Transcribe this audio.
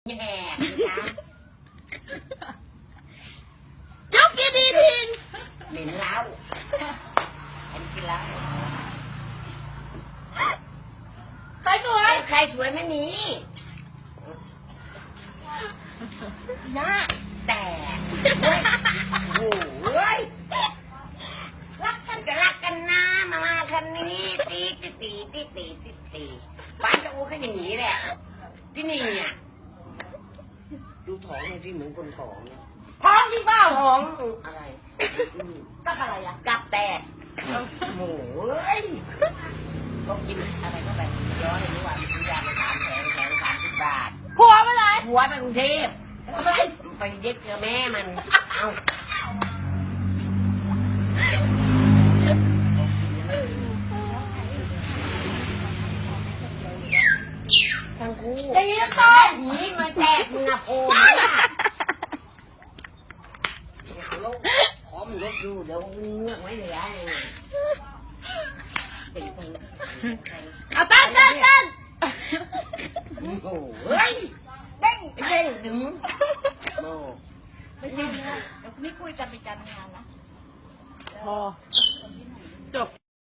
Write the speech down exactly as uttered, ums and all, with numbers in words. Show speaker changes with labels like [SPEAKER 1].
[SPEAKER 1] แย่นะจบกี่ดีทิ้งหลินเล้าฉันกินแล้วใครสวยใครสวยไม่มีนะแต่โอ้ยรักกันก็รักกันนะมามาคันนี้ตีตีตีตีตีตีตีบ้านจะอู้แค่อย่างนี้แหละที่นี่อ่ะดูท้องเลยที่เหมือนคนท้องเนี่ยท้องที่บ้าท้องอะไรกับอะไรอ่ะกับแตกโอ้ยก็กินอะไรก็แบบย้อนเลยว่ามียาไปสามแสนแสนสามสิบบาทผัวไปไหนผัวไปกรุงเทพไปเย็ดเจอแม่มันเอาทั้งคู่ตีต้นหีมันแตกมึงอะโอ้ยเอาลูกขอมันลดดูเดี๋ยวเงือกไว้เหลือไงเอาตั้งตั้งตั้งโอ้ยเด้งเด้งดึงโอ้ไม่ใช่เดี๋ยวไม่คุยกันไปการงานนะ
[SPEAKER 2] พอจบ